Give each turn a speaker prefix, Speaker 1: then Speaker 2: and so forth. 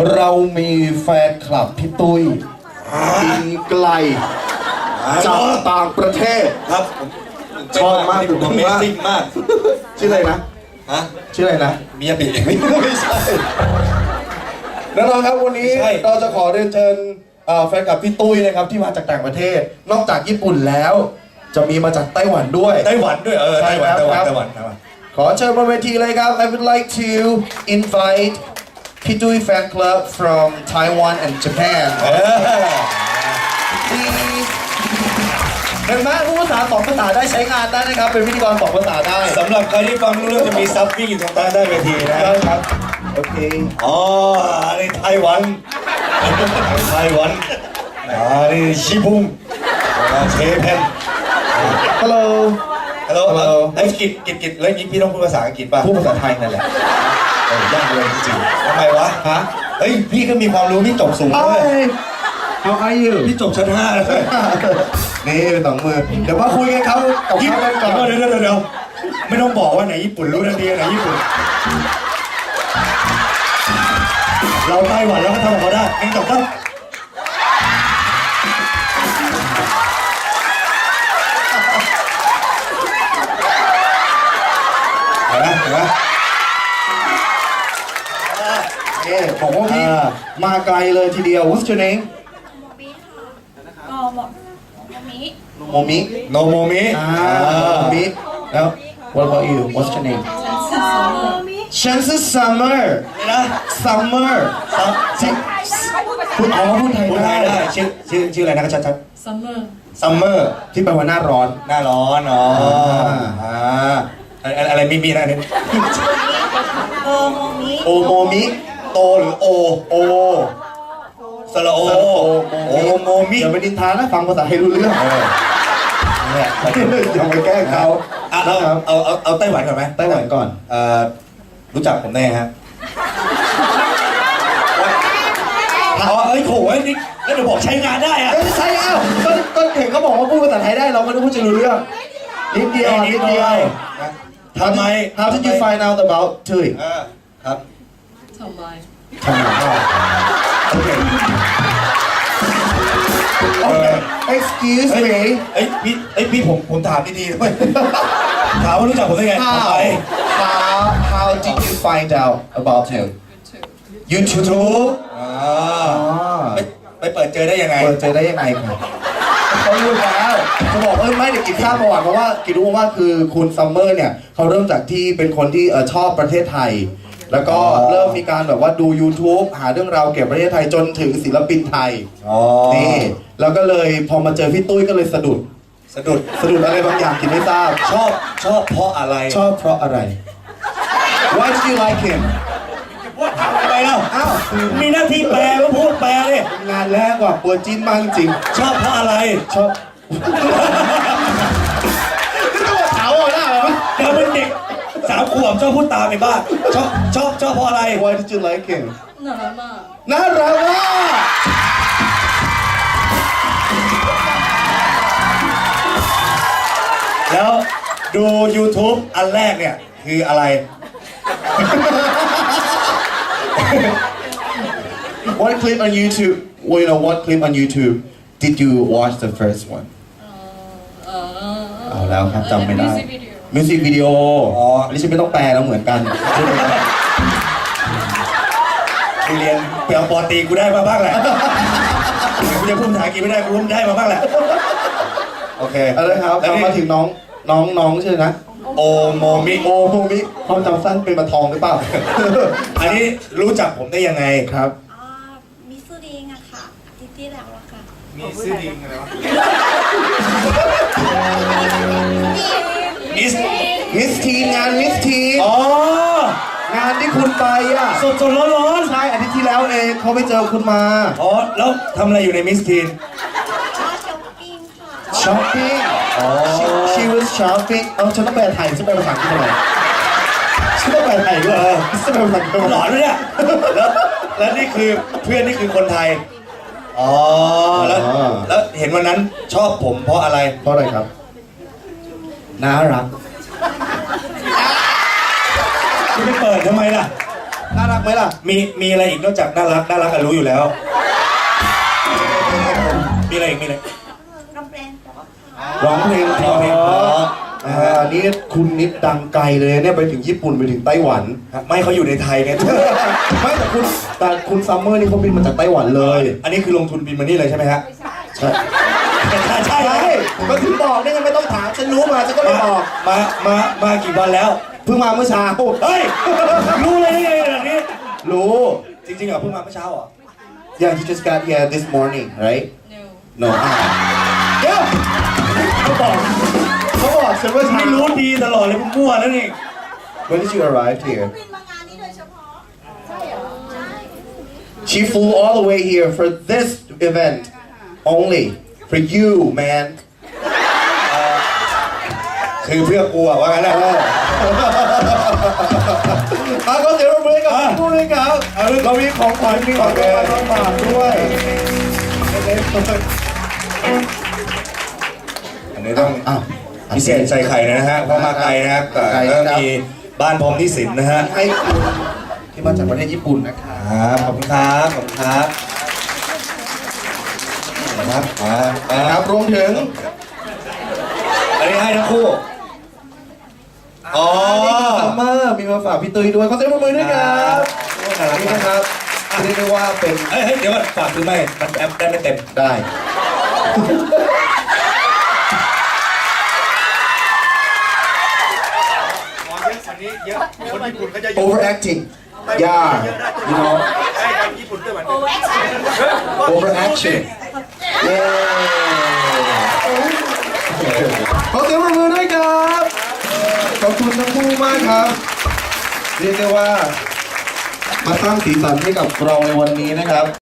Speaker 1: เรามีแฟนคลับพี่ตุ้ยบินไกลจากต่างประเทศ
Speaker 2: ครับ
Speaker 1: ชอบมาก
Speaker 2: ผมเมซิ่งมาก
Speaker 1: ชื่ออะไรนะ
Speaker 2: ฮะ
Speaker 1: ชื่ออะไรนะ
Speaker 2: มิยาบิ
Speaker 1: ไม่ใช่แน่นอนครับวันนี้
Speaker 2: ใช่
Speaker 1: เราจะขอเรียนเชิญแฟนคลับพี่ตุ้ยนะครับที่มาจากต่างประเทศ นอกจากญี่ปุ่นแล้ว จะมีมาจากไต้หวันด้วย
Speaker 2: ไต้หวันด้วย
Speaker 1: ใช่
Speaker 2: ไต้หวัน
Speaker 1: ครับ
Speaker 2: ไต้หวัน
Speaker 1: ขอเชิญบนเวทีเลยครับ I would like to invite พี่ตุ้ย fan club from Taiwan and Japan Please เห็นไหมพูดภาษา2 ภาษาได้ใช้งานได้นะครับ เป็นพิธีกร2 ภาษาได้
Speaker 2: สำหรับใครที่ฟังรู้เรื่องจะมีซับวิ่งอยู่ตรงใต้ได้เวทีนะ
Speaker 1: ได้ครับ โอเค
Speaker 2: อ๋ออันนี้ไต้หวันไต้หวันอันนี้ชิบุงเชเพน
Speaker 1: Hello
Speaker 2: ฮัลโหลไอ้กิจแล้วยิ่งพี่ต้องพูดภาษาอังกฤษป่ะ
Speaker 1: พูดภาษาไทยนั่นแหละ
Speaker 2: ยากเลยจริงๆทำไมวะฮะเฮ้ยพี่ก็มีความรู้พี่จบสูงด้วย
Speaker 1: Hi How are you
Speaker 2: พี่จบชั้น5เลย
Speaker 1: นี่เป็น2 มือ เดี๋ยวมาคุยกันเขากับ
Speaker 2: เดี๋
Speaker 1: เขากันก่อน
Speaker 2: ยวไม่ต้องบอกว่าไหนญี่ปุ่นรู้ทันทีไหนญี่ปุ่นเราไต้หวันแล้วก็ทำของเขาได้เองจบครับเห็นไหม
Speaker 1: บอกว่าพี่มาไกลเลยทีเดียว What's your name โมมิ
Speaker 2: โนโมมิ
Speaker 1: โมมิแล้ว What about you What's your name ฉันชื่อ Summer
Speaker 2: นะ
Speaker 1: Summer พูดพูดไทย
Speaker 2: พูดไทยได้ชื่ออะไรนะครับชัด
Speaker 3: Summer
Speaker 2: ซัมเมอร์
Speaker 1: ที่แปลว่าหน้าร้อน
Speaker 2: หน้าร้อนอ๋ออะไรมีนะเนี่ย
Speaker 1: โอโมมิ
Speaker 2: โตหรือโอสระโอโอโมมิ
Speaker 1: อย่าไปนินทานะฟังภาษาไทยรู้เรื่อง
Speaker 2: เนี่ย
Speaker 1: อย่าไปแกล้งเขา
Speaker 2: เอาไต้หวันก่อนไหม
Speaker 1: ไต้หวันก่อน
Speaker 2: รู้จักผมแน่ฮะอ๋อเอ้ยโหนี่แล้วเดี๋ยวบอกใช้งานได้อะ
Speaker 1: ไม่ใช่เอ้าก็เห็นเขาบอกว่าพูดภาษาไทยได้เราไม่รู้จะรู้เรื่องนิดเดียวนิดเดียว
Speaker 2: ทำไม
Speaker 1: How did you find out about Tui
Speaker 2: ครับ
Speaker 3: ทำไม
Speaker 1: ทำไมโอเค Excuse me
Speaker 2: เอ้ยพี่ผมถามดีๆด้วยถามว่ารู้จักผมได้ไงทำไม
Speaker 1: How did you find out about him
Speaker 3: YouTube
Speaker 1: YouTube
Speaker 2: ไปเปิดเจอได้ยังไง
Speaker 1: เปิดเจอได้ยังไงครับเขารู้แล้วจะบอกไม่เดี๋ยวกินข้าวประวัติเพราะว่ากินรู้ว่าคือคุณซัมเมอร์เนี่ยเขาเริ่มจากที่เป็นคนที่ชอบประเทศไทย แล้วก็เริ่มมีการแบบว่าดู YouTube หาเรื่องราวเกี่ยวกับประเทศไทยจนถึงศิลปินไทยนี่แล้วก็เลยพอมาเจอพี่ตุ้ยก็เลยสะดุดอะไรบางอย่างกินไม่ทราบ
Speaker 2: ชอบเพราะอะไร
Speaker 1: ชอบเพราะอะไร Why did you like him
Speaker 2: ไปแล้วอ้าวมีหน้าที่แปลก็พูดแปลเลย
Speaker 1: งานแรกกว่าปัวจิ้นมากจริง
Speaker 2: ชอบเพราะอะไร
Speaker 1: ชอบนี่ต้องมาถามอ่ะหน้าไหม
Speaker 2: เดี๋ยวเป็นเด็ก3 ขวบชอบพูดตามไปบ้างชอบเพราะอะไร
Speaker 1: Why did you like him
Speaker 3: น่ารักมาก
Speaker 1: น่ารักมาก
Speaker 2: แล้วดู YouTube อันแรกเนี่ยคืออะไร
Speaker 1: What clip on YouTube what clip on YouTube did you watch the first one เอาแล้วครับจำไม่ได้
Speaker 3: Music video
Speaker 1: มิวสิกวิดีโออันนี้ฉันไม่ต้องแปลแล้วเหมือนกัน
Speaker 2: กูเรียนเปลี่ยนปอตีกูได้มาบ้างแหละกูจะพูดภาษาอังกฤษไม่ได้กูรู้ได้มาบ้างแหละโอเค
Speaker 1: เอาเลยครับเรามาถึงน้องชื่อนะ
Speaker 2: โอโมมิ
Speaker 1: โอโมมิความจำสั้นเป็นมาทองหรือเปล่า
Speaker 2: อันนี้รู้จักผมได้ยังไง
Speaker 1: ครับ
Speaker 4: มิสซูริงอะค่ะอาทิตย์ที่แล้วอะค่ะ
Speaker 2: มีซื้อดิงอะไรวะ
Speaker 1: มิสทีนงานมิสทีน
Speaker 2: อ๋อง
Speaker 1: านที่คุณไปอ่ะ
Speaker 2: สดร้อน
Speaker 1: ใช่อาทิตย์ที่แล้วเองเขาไปเจอคุณมา
Speaker 2: อ๋อแล้วทำอะไรอยู่ในมิสทีน
Speaker 4: ช้อปปิ้งค่ะ
Speaker 1: shopping
Speaker 2: อ๋อ
Speaker 1: she was shopping ฉันต้องแปลไทยฉันแปลภาษาอังกฤษทำไมฉันต้องแปลไทยด้วยฉันแปลภาษาอังกฤษทำไม
Speaker 2: หลอนเลยเนี่ยแล้วนี่คือเพื่อนนี่คือคนไทยอ๋อแล้วเห็นวันนั้นชอบผมเพราะอะไร
Speaker 1: เพราะอะไรครับน่ารัก
Speaker 2: คุณไปเปิดทำไมล่ะ
Speaker 1: น่ารักไหมล่ะ
Speaker 2: มีอะไรอีกนอกจากน่ารักกันรู้อยู่แล้ว มีอะไรอีกมีอะไร
Speaker 4: กำแพงเพราะค่ะ
Speaker 1: ร้องเพลงเพราะ
Speaker 2: เพลงเพราะ
Speaker 1: นี่คุณนิดดังไกลเลยเนี่ยไปถึงญี่ปุ่นไปถึงไต้หวัน
Speaker 2: ไม่เขาอยู่ในไทยไง
Speaker 1: ไม่แต่คุณซัมเมอร์นี่เขาบินมาจากไต้หวันเลย
Speaker 2: อันนี้คือลงทุนบินมานี่เลยใช่ไหมฮะ
Speaker 1: ใช่
Speaker 2: ใช่
Speaker 1: ใช่ก็ถึงบอกนี่ไงไม่ต้องถามฉันรู้มาฉันก็เลยบอก
Speaker 2: มากี่วันแล้ว
Speaker 1: เพิ่งมาเมื่อเช้า
Speaker 2: เฮ้ย รู้เลยได้ไงแบบนี้
Speaker 1: รู้
Speaker 2: จริงๆเหรอเพิ่งมาเมื่อเช้าเหรอ
Speaker 1: Yeah, he just got here this morning, right?
Speaker 3: No.
Speaker 1: No. เดี๋ยวเขาบอกฉันว่าเช้า
Speaker 2: ไม่รู้ดีตลอดเลยมั่วแล้วนี่
Speaker 1: When did you arrive here?
Speaker 4: บินมางานนี้โดยเฉพาะ ใช่เหรอ ใช่
Speaker 1: She flew all the way here for this event only for you, man.
Speaker 2: คือเพื่อกูอะว่างั้นแหละ
Speaker 1: ก็เดี๋ยวเราเบรกกับพูดเลยครับเรามีของขวัญมีของรางวัลมาฝากด้วย
Speaker 2: อันนี้ต้อง
Speaker 1: อ้าว
Speaker 2: พิเศษใส่ไข่นะฮะเพราะมาไกลนะครับก็มีบ้านพรหมนิสินนะฮะ
Speaker 1: ให้คุณที่มาจากประเทศญี่ปุ่นนะครับ
Speaker 2: ขอบคุณครับขอบคุณครับครับ
Speaker 1: ครับรวมถึง
Speaker 2: อันนี้ให้ทั้งคู่อ๋อ
Speaker 1: ซัมเมอร์มีมาฝากพี่ตุ้ยด้วยขอเสียงปรบมือด้วยครับ
Speaker 2: น่ารัก
Speaker 1: นี่
Speaker 2: มาก
Speaker 1: นะครับเรียกได้ว่าเป็น
Speaker 2: เฮ้ยเดี๋ยวก่อนฝากคือไม่มันแอปได้ไม่เต็ม
Speaker 1: ได้ overacting yeah you know overaction เย้ขอเสียงปรบมือด้วยครับขอบคุณทั้งคู่มากครับเรียกได้ว่ามาสร้างสีสันให้กับเราในวันนี้นะครับ